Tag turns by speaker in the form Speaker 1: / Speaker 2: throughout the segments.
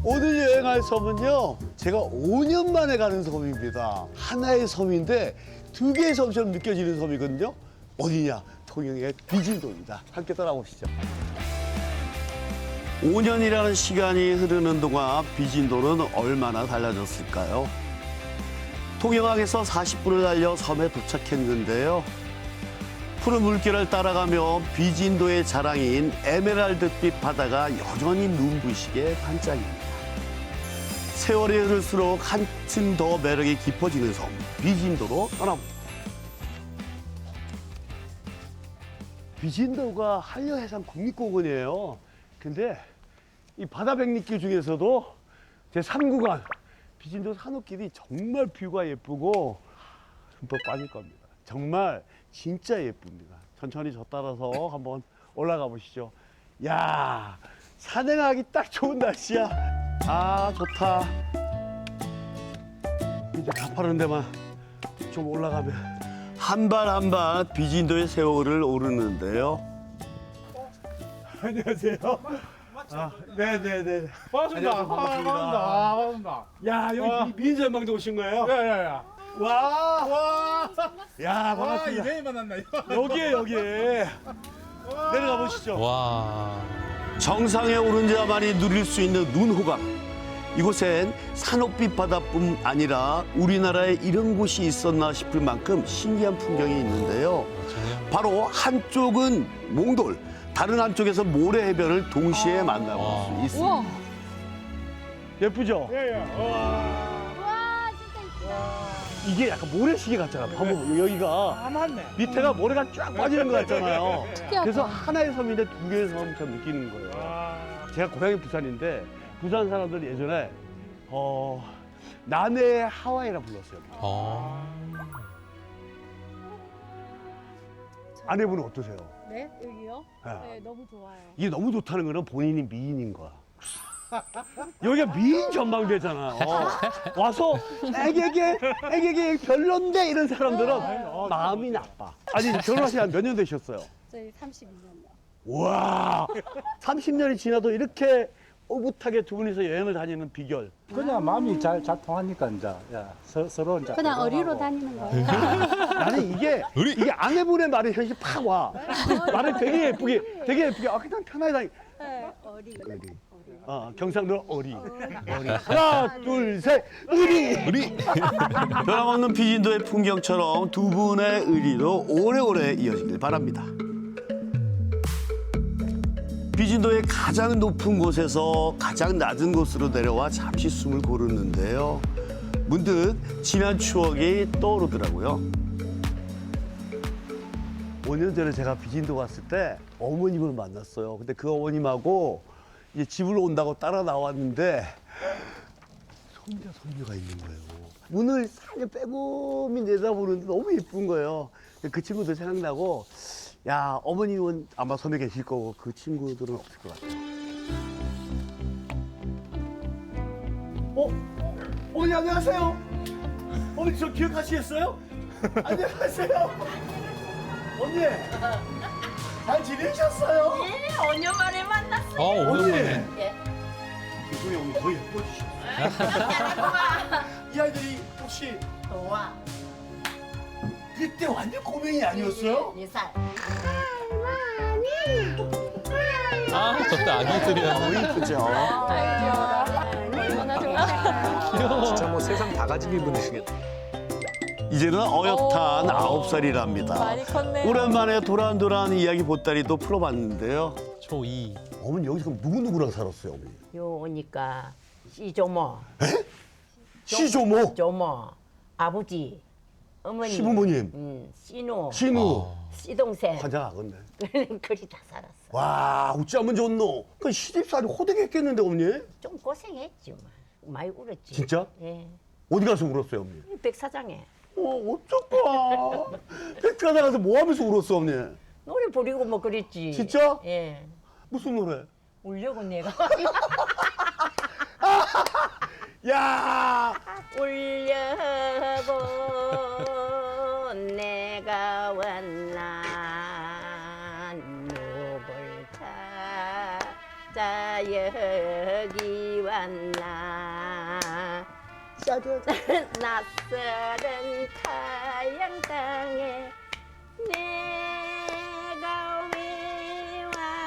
Speaker 1: 오늘 여행할 섬은요, 제가 5년 만에 가는 섬입니다. 하나의 섬인데 두 개의 섬처럼 느껴지는 섬이거든요. 어디냐? 통영의 비진도입니다. 함께 따라오시죠. 5년이라는 시간이 흐르는 동안 비진도는 얼마나 달라졌을까요? 통영항에서 40분을 달려 섬에 도착했는데요. 푸른 물결을 따라가며 비진도의 자랑인 에메랄드빛 바다가 여전히 눈부시게 반짝입니다. 세월이 흐를수록 한층 더 매력이 깊어지는 섬, 비진도로 떠나봅니다. 비진도가 한려해상 국립공원이에요. 근데 이 바다 백리길 중에서도 제 3구간 비진도 산호길이 정말 뷰가 예쁘고 흠뻑 빠질 겁니다. 정말 진짜 예쁩니다. 천천히 저 따라서 한번 올라가 보시죠. 야, 산행하기 딱 좋은 날씨야. 아, 좋다. 이제 가파른 데만 좀 올라가면 한 발 한 발 비진도의 세월을 오르는데요. 안녕하세요. 아, 네네네.
Speaker 2: 반갑습니다.
Speaker 1: 안녕하세요. 반갑습니다.
Speaker 2: 반갑습니다.
Speaker 1: 야, 여기 미인전망대 오신 거예요?
Speaker 2: 야야야.
Speaker 1: 와,
Speaker 2: 와.
Speaker 1: 야,
Speaker 2: 와
Speaker 1: 반갑습니다.
Speaker 2: 이대히 만났나 이거.
Speaker 1: 여기에. 내려가 보시죠.
Speaker 3: 와.
Speaker 1: 정상에 오른 자만이 누릴 수 있는 눈호강. 이곳엔 산호빛 바다뿐 아니라 우리나라에 이런 곳이 있었나 싶을 만큼 신기한 풍경이 있는데요. 바로 한쪽은 몽돌, 다른 한쪽에서 모래 해변을 동시에 만나볼 수 있습니다.
Speaker 4: 우와.
Speaker 1: 예쁘죠?
Speaker 2: 예예. 와.
Speaker 4: 와 진짜 이쁘다.
Speaker 1: 이게 약간 모래시계 같잖아. 봐봐, 여기가
Speaker 2: 아 맞네.
Speaker 1: 밑에가 모래가 쫙 빠지는 것 같잖아요.
Speaker 4: 특이하다.
Speaker 1: 그래서 하나의 섬인데 두 개의 섬처럼 느끼는 거예요.
Speaker 2: 와.
Speaker 1: 제가 고향이 부산인데 부산 사람들이 예전에 남해의 하와이라 불렀어요. 아내분은 어떠세요?
Speaker 4: 네 여기요?
Speaker 1: 네.
Speaker 4: 네 너무 좋아요.
Speaker 1: 이게 너무 좋다는 거는 본인이 미인인 거야. 여기가 미인 전망대잖아요. 와서 애기게 별론데 이런 사람들은 마음이 나빠. 아니 결혼하신 한 몇 년 되셨어요?
Speaker 4: 저희 32년요.
Speaker 1: 와, 30년이 지나도 이렇게 오붓하게 두 분이서 여행을 다니는 비결.
Speaker 5: 그냥 마음이 잘 통하니까 이제 서로 이제
Speaker 4: 그냥 어리로
Speaker 5: 공감하고.
Speaker 4: 다니는 거예요.
Speaker 1: 나는 이게 아내분의 말이 현실 팍 와. 말을 되게 예쁘게. 아, 그냥 편하게 다니.
Speaker 4: 네, 어리.
Speaker 1: 경상도 어리. 하나, 둘, 셋, 의리. 변함없는 비진도의 풍경처럼 두 분의 의리도 오래오래 이어지길 바랍니다. 비진도의 가장 높은 곳에서 가장 낮은 곳으로 내려와 잠시 숨을 고르는데요. 문득 지난 추억이 떠오르더라고요. 5년 전에 제가 비진도 갔을 때 어머님을 만났어요. 근데 그 어머님하고 이제 집으로 온다고 따라 나왔는데 손자, 손녀가 있는 거예요. 문을 살려 빼꼼히 내다보는데 너무 예쁜 거예요. 그 친구들 생각나고 야, 어머님은 아마 섬에 계실 거고 그 친구들은 없을 것 같아요. 어머니 안녕하세요. 어머니 저 기억하시겠어요? 안녕하세요. 언니 잘 지내셨어요?
Speaker 6: 예, 5년 만에 만났어요.
Speaker 3: 오랜만에.
Speaker 6: 예.
Speaker 1: 우리 어머니 더 예뻐지셨어요. 이 아이들이 혹시
Speaker 6: 좋아.
Speaker 1: 그때 완전 꼬맹이 아니었어요?
Speaker 6: 4살.
Speaker 3: 아, 저때 아기들이야.
Speaker 1: 너무 이쁘죠?
Speaker 4: 얼마나 좋아요.
Speaker 5: 진짜 뭐 세상 다 가지고 분이시겠다.
Speaker 1: 이제는 어엿한 9살이랍니다.
Speaker 4: 많이 컸네요.
Speaker 1: 오랜만에 도란도란 이야기 보따리도 풀어봤는데요.
Speaker 3: 초2.
Speaker 1: 어머니 여기서 그럼 누구누구랑 살았어요, 어머니?
Speaker 6: 요 오니까 시조모,
Speaker 1: 시조모,
Speaker 6: 조모, 아버지, 어머니,
Speaker 1: 시부모님,
Speaker 6: 씨노,
Speaker 1: 신우,
Speaker 6: 씨동생.
Speaker 1: 환장하겠네.
Speaker 6: 그리 다 살았어.
Speaker 1: 와, 어찌하면 좋노? 그 시집살이 호되겠겠는데, 어머니?
Speaker 6: 좀 고생했지 뭐. 많이 울었지.
Speaker 1: 진짜?
Speaker 6: 예.
Speaker 1: 어디 가서 울었어요, 어머니?
Speaker 6: 백사장에
Speaker 1: 어쩔까? 백화점 가서 뭐 하면서 울었어, 어머니?
Speaker 6: 노래 부리고 뭐 그랬지.
Speaker 1: 진짜?
Speaker 6: 예.
Speaker 1: 무슨 노래?
Speaker 6: 울려고 내가.
Speaker 1: 야,
Speaker 6: 울려고 내가 왔나 누굴까 자 여기 왔나 낯설은 타양 땅에 내가 왜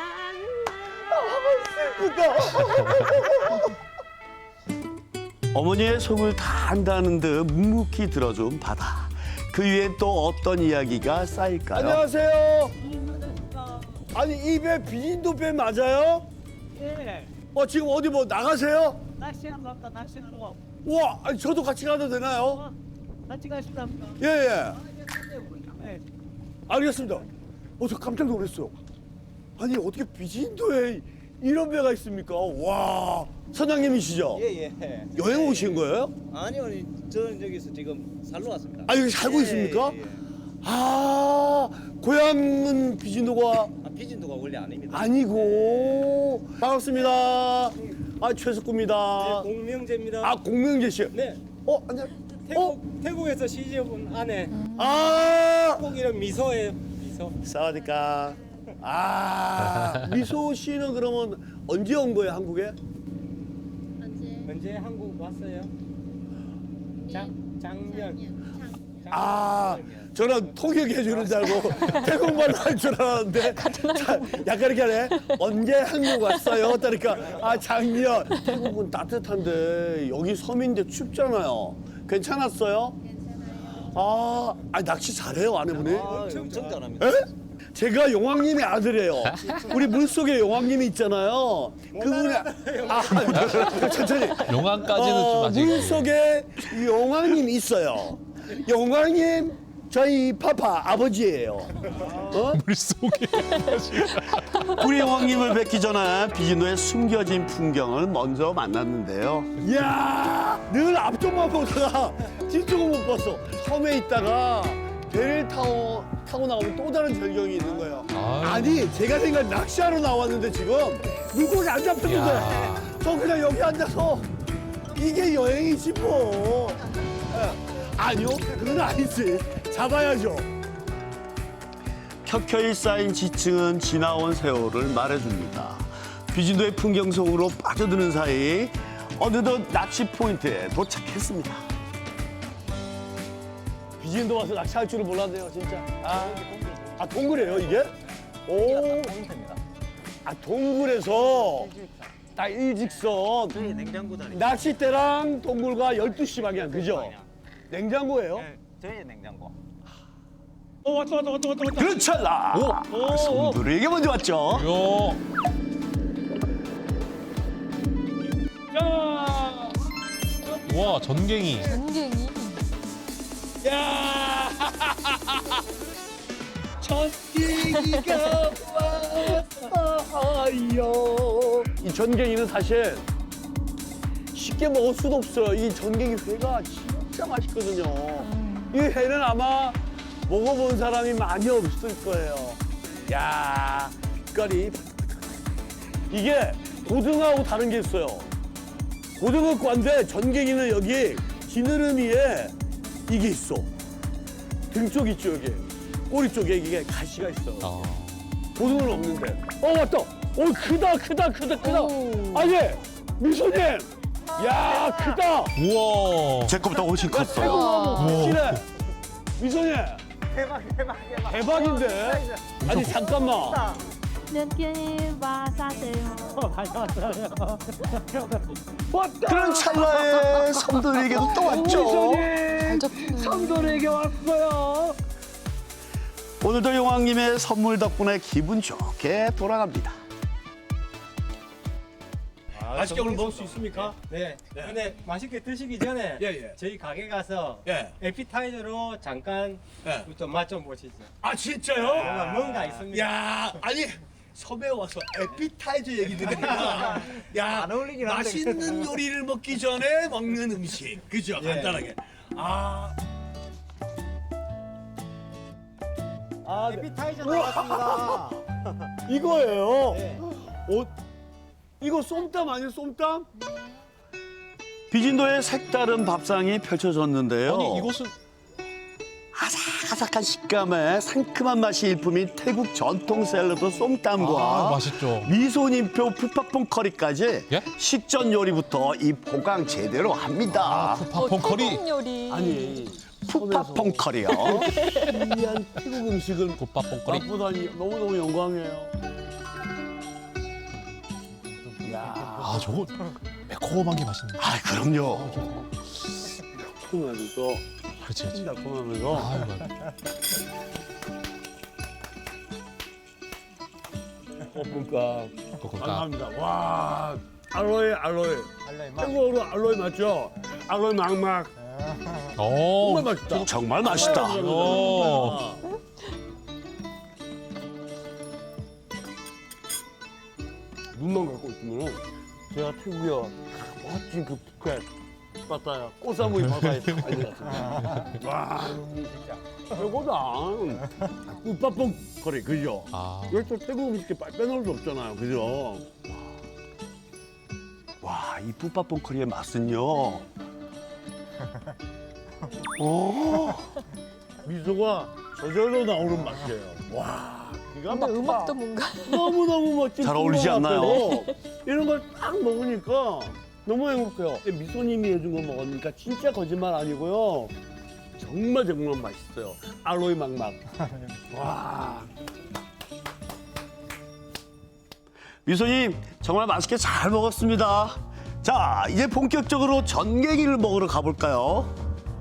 Speaker 6: 왔나
Speaker 1: 어머니의 속을 다 안다는 듯 묵묵히 들어준 바다. 그 위엔 또 어떤 이야기가 쌓일까요? 안녕하세요. 아니 이 배 비진도 배 맞아요?
Speaker 7: 예,
Speaker 1: 지금 어디 뭐 나가세요?
Speaker 7: 낚시하는 것 같다, 낚시하는 거.
Speaker 1: 와, 아니 저도 같이 가도 되나요?
Speaker 7: 같이 가시답니다.
Speaker 1: 예.
Speaker 7: 예.
Speaker 1: 알겠습니다. 저 깜짝 놀랐어요. 아니 어떻게 비진도에 이런 배가 있습니까? 와, 선장님이시죠?
Speaker 8: 예.
Speaker 1: 여행 오신 거예요?
Speaker 8: 아니요, 저는 여기서 지금 살러 왔습니다.
Speaker 1: 아 여기 살고
Speaker 8: 예,
Speaker 1: 있습니까?
Speaker 8: 예.
Speaker 1: 아, 고향은 비진도가
Speaker 8: 비진도가 원래 아닙니다.
Speaker 1: 아니고 반갑습니다. 아 최석구입니다.
Speaker 8: 공명제입니다.
Speaker 1: 아 공명재 씨.
Speaker 8: 네.
Speaker 1: 안녕.
Speaker 8: 태국에서 시집온 아내
Speaker 1: 아,
Speaker 8: 꼭 이런 미소예요. 미소.
Speaker 1: 사와디카. 아, 미소 씨는 그러면 언제 온 거예요 한국에?
Speaker 8: 언제 한국 왔어요? 작년.
Speaker 1: 아, 저는 통역해 주는 줄 알고 태국말로 할 줄 알았는데 약간 이렇게 하네. 언제 한국 왔어요? 그러니까 작년. 태국은 따뜻한데 여기 섬인데 춥잖아요. 괜찮았어요? 괜찮아요. 낚시 잘해요 아내분이?
Speaker 8: 엄청 잘합니다.
Speaker 1: 에? 제가 용왕님의 아들이에요. 우리 물속에 용왕님이 있잖아요. 그분이 천천히.
Speaker 3: 용왕까지는 좀 아직.
Speaker 1: 물속에 용왕님이 있어요. 용왕님 저희 파파 아버지예요.
Speaker 3: 물속에.
Speaker 1: 우리 용왕님을 뵙기 전에 비진도의 숨겨진 풍경을 먼저 만났는데요. 이야, 늘 앞쪽만 보다가 뒤쪽은 못 봤어. 섬에 있다가 배를 타고 나오면 또 다른 절경이 있는 거예요.
Speaker 3: 아유.
Speaker 1: 아니, 제가 생각 낚시하러 나왔는데 지금 물고기 안 잡혔는데
Speaker 3: 야.
Speaker 1: 저 그냥 여기 앉아서 이게 여행이지 뭐. 아니요, 그건 아니지. 잡아야죠. 켜켜이 쌓인 지층은 지나온 세월을 말해줍니다. 비진도의 풍경 속으로 빠져드는 사이 어느덧 낚시 포인트에 도착했습니다. 비진도 와서 낚시할 줄은 몰랐네요, 진짜. 동굴이에요, 이게? 오. 동굴에서 딱 일직선.
Speaker 8: 저희 냉장고 자리.
Speaker 1: 낚싯대랑 동굴과 12시 방향, 그죠? 냉장고예요?
Speaker 8: 네, 저희 냉장고.
Speaker 7: 왔다.
Speaker 1: 그런 찰나! 손들에게 먼저 왔죠?
Speaker 3: 요.
Speaker 7: 자,
Speaker 3: 와, 전갱이.
Speaker 1: 야! 전갱이가 왔어요. 이 전갱이는 사실 쉽게 먹을 수도 없어요. 이 전갱이 회가 진짜 맛있거든요. 이 회는 아마 먹어본 사람이 많이 없을 거예요. 야, 빛깔이 이게 고등어하고 다른 게 있어요. 고등어과인데 전갱이는 여기 지느러미에 이게 있어. 등 쪽 있죠, 여기. 꼬리 쪽에 이게 가시가 있어. 고등어는 없는데. 왔다. 크다. 아니, 미소님. 야, 크다.
Speaker 3: 우와.
Speaker 1: 제 거보다 훨씬 컸어.
Speaker 3: 우와.
Speaker 1: 확실해. 미소님. 대박인데. 아니, 잠깐만.
Speaker 4: 몇 와사세요.
Speaker 1: 그런 찰나에 섬돌이에게도 또 왔죠.
Speaker 7: 삼돌에게 왔어요.
Speaker 1: 오늘도 용왕님의 선물 덕분에 기분 좋게 돌아갑니다. 맛있게 오늘 먹을 수 있습니까?
Speaker 8: 네. 근데 맛있게 드시기 전에
Speaker 1: 예.
Speaker 8: 저희 가게 가서
Speaker 1: 예.
Speaker 8: 에피타이저로 잠깐
Speaker 1: 예.
Speaker 8: 좀 맛 좀 보시죠.
Speaker 1: 아, 진짜요?
Speaker 8: 뭔가 있습니다.
Speaker 1: 야, 아니 섬에 와서 에피타이저 얘기 들으니까 야,
Speaker 8: 안 어울리긴 한데.
Speaker 1: 맛있는 요리를 먹기 전에 먹는 음식, 그죠?
Speaker 8: 예.
Speaker 1: 간단하게.
Speaker 8: 에피타이저 나왔습니다.
Speaker 1: 이거예요.
Speaker 8: 네.
Speaker 1: 이거 쏨땀 아니에요, 쏨땀? 비진도의 색다른 밥상이 펼쳐졌는데요.
Speaker 3: 아니, 이곳은
Speaker 1: 바삭한 식감에 상큼한 맛이 일품인 태국 전통 샐러드 쏨땀과
Speaker 3: 아, 맛있죠.
Speaker 1: 미소님표 푸파퐁 커리까지
Speaker 3: 예?
Speaker 1: 식전 요리부터 이 보강 제대로 합니다.
Speaker 3: 팝콘 커리.
Speaker 9: 태국 요리.
Speaker 1: 아니 푸파퐁 커리요. 귀한 태국 음식을
Speaker 3: 굿밥퐁 커리.
Speaker 1: 맛보다니 너무너무 영광이에요. 야,
Speaker 3: 아, 저거 매콤한 게 맛있네.
Speaker 1: 아 그럼요. 달콤하면서
Speaker 3: 그렇지, 그렇지.
Speaker 1: 달콤하면서
Speaker 3: 아이고.
Speaker 1: 볶음밥.
Speaker 3: 볶음밥.
Speaker 1: 감사합니다. 와, 알로에. 태국어로 알로에 맞죠? 알로에 막막.
Speaker 3: 오.
Speaker 1: 정말 맛있다. 정말 맛있다.
Speaker 3: 오.
Speaker 1: 눈만 갖고 있으면 제가 태국에 멋진 그 푸켓 바다야, 꽃사무이 바다에 다 있는 와, 진짜 최고다. 꿀밥봉 거리 그죠?
Speaker 3: 아.
Speaker 1: 이걸 또 태국 음식에 빼놓을 수 없잖아요, 그죠? 와, 이 푸파퐁 커리의 맛은요. 오, 미소가 저절로 나오는 맛이에요. 와, 기가
Speaker 9: 근데
Speaker 1: 막히다.
Speaker 9: 음악도 뭔가.
Speaker 1: 너무너무 멋진 잘 어울리지 풍경
Speaker 3: 네.
Speaker 1: 앞에서
Speaker 3: 않나요?
Speaker 1: 이런 걸 딱 먹으니까 너무 행복해요. 미소님이 해준 거 먹으니까 진짜 거짓말 아니고요. 정말 맛있어요. 알로이 막막. 와. 미소님 정말 맛있게 잘 먹었습니다. 자, 이제 본격적으로 전갱이를 먹으러 가볼까요?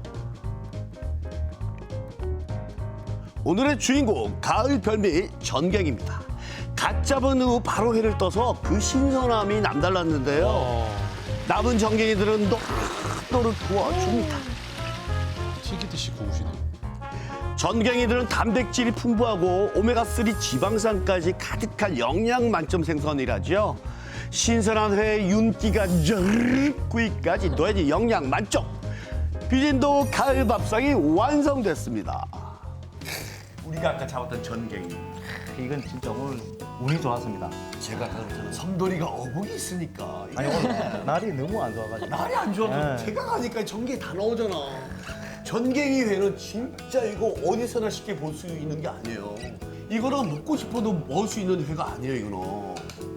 Speaker 1: 오늘의 주인공 가을 별미 전갱입니다. 갓 잡은 후 바로 회를 떠서 그 신선함이 남달랐는데요. 남은 전갱이들은 노릇노릇 구워줍니다.
Speaker 3: 튀기듯이 구우시네.
Speaker 1: 전갱이들은 단백질이 풍부하고 오메가3 지방산까지 가득한 영양 만점 생선이라죠. 신선한 회에 윤기가 쩌르륵 구이까지 더해진 영양 만점. 비진도 가을 밥상이 완성됐습니다. 우리가 아까 잡았던 전갱이.
Speaker 5: 이건 진짜 오늘 운이 좋았습니다.
Speaker 1: 제가 그렇잖아요. 섬돌이가 어묵이 있으니까. 이게
Speaker 5: 아니 오늘 날이 너무 안 좋아가지고.
Speaker 1: 날이 안 좋아서
Speaker 5: 네.
Speaker 1: 제가 가니까 전갱이 다 나오잖아. 전갱이 회는 진짜 이거 어디서나 쉽게 볼 수 있는 게 아니에요. 이거는 먹고 싶어도 먹을 수 있는 회가 아니에요, 이거는.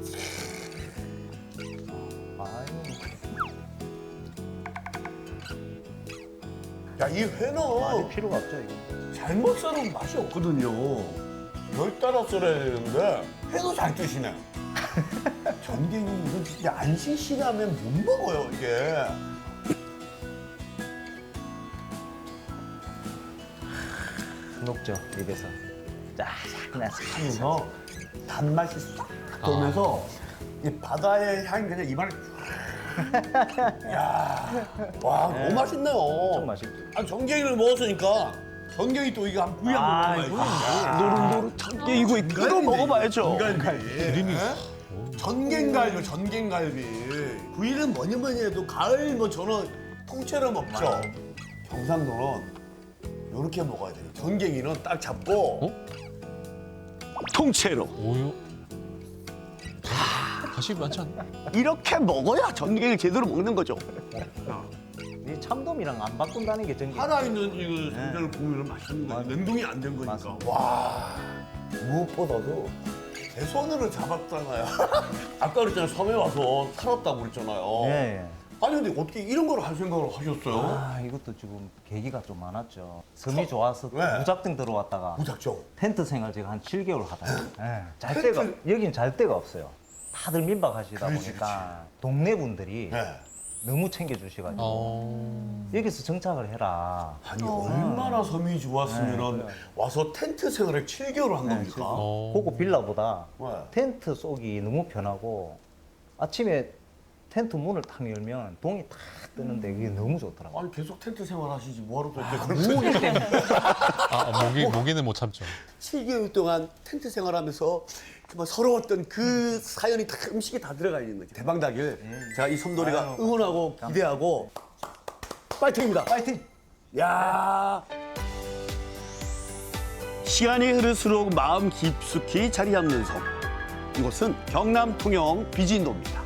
Speaker 1: 야, 이 회는
Speaker 5: 많이 필요가 없죠 이거.
Speaker 1: 잘못 썰으면 맛이 없거든요. 열 따라 썰어야 되는데 회도 잘 드시네. 전갱이 이건 진짜 안 싱싱하면 못 먹어요, 이게.
Speaker 5: 녹죠 입에서.
Speaker 1: 하면서 단맛이 싹 돌면서 이 바다의 향이 그냥 입안에 야, 와 너무 맛있네요.
Speaker 5: 엄청 맛있죠.
Speaker 1: 아 전갱이를 먹었으니까 전갱이 또 이거 한 구이 한번 먹어봐야지. 노릇노릇 전갱이 구이 끓여 먹어봐야죠. 전갈비.
Speaker 3: 기름이.
Speaker 1: 전갱갈비, 전갱갈비. 구이는 뭐니 해도 가을 뭐 저는 통째로 먹죠. 경상도는 이렇게 먹어야 돼요. 전갱이는 딱 잡고 통째로.
Speaker 3: 오유. 다시 많지 않나?
Speaker 1: 이렇게 먹어야 전갱이를 제대로 먹는 거죠.
Speaker 5: 이 참돔이랑 안 바꾼다는 게 전개.
Speaker 1: 살아있는 이거 전갱을 보면 맛있는 거예요. 냉동이 안 된 거니까.
Speaker 5: 맞습니다.
Speaker 1: 와, 무엇보다도 제 손으로 잡았잖아요. 아까 그랬잖아요. 섬에 와서 살았다고 그랬잖아요.
Speaker 5: 예.
Speaker 1: 아니 근데 어떻게 이런 걸 할 생각을 하셨어요?
Speaker 5: 아 이것도 지금 계기가 좀 많았죠. 섬이 좋아서
Speaker 1: 왜?
Speaker 5: 무작정 들어왔다가
Speaker 1: 무작정.
Speaker 5: 텐트 생활 제가 한 7개월 하다가 잘 데가 여긴 잘 데가 없어요. 다들 민박하시다
Speaker 1: 그렇지,
Speaker 5: 보니까 동네 분들이
Speaker 1: 네.
Speaker 5: 너무 챙겨주셔가지고 여기서 정착을 해라.
Speaker 1: 아니 얼마나 섬이 좋았으면 와서 텐트 생활을 7개월 한 겁니까?
Speaker 5: 그거 빌라보다
Speaker 1: 네.
Speaker 5: 텐트 쏘기 너무 편하고 아침에 텐트 문을 탁 열면 동이 탁 뜨는데 그게 너무 좋더라고요.
Speaker 1: 아니 계속 텐트 생활 하시지 뭐하러 또 이렇게
Speaker 5: 무기 때문에.
Speaker 3: 모기는 못 참죠.
Speaker 1: 7개월 동안 텐트 생활하면서 정말 서러웠던 그 사연이 다 음식에 다 들어가 있는 거죠. 대박 나길 제가 이 섬돌이가 응원하고 기대하고 파이팅입니다.
Speaker 5: 파이팅!
Speaker 1: 야. 시간이 흐를수록 마음 깊숙이 자리 잡는 섬. 이곳은 경남 통영 비진도입니다.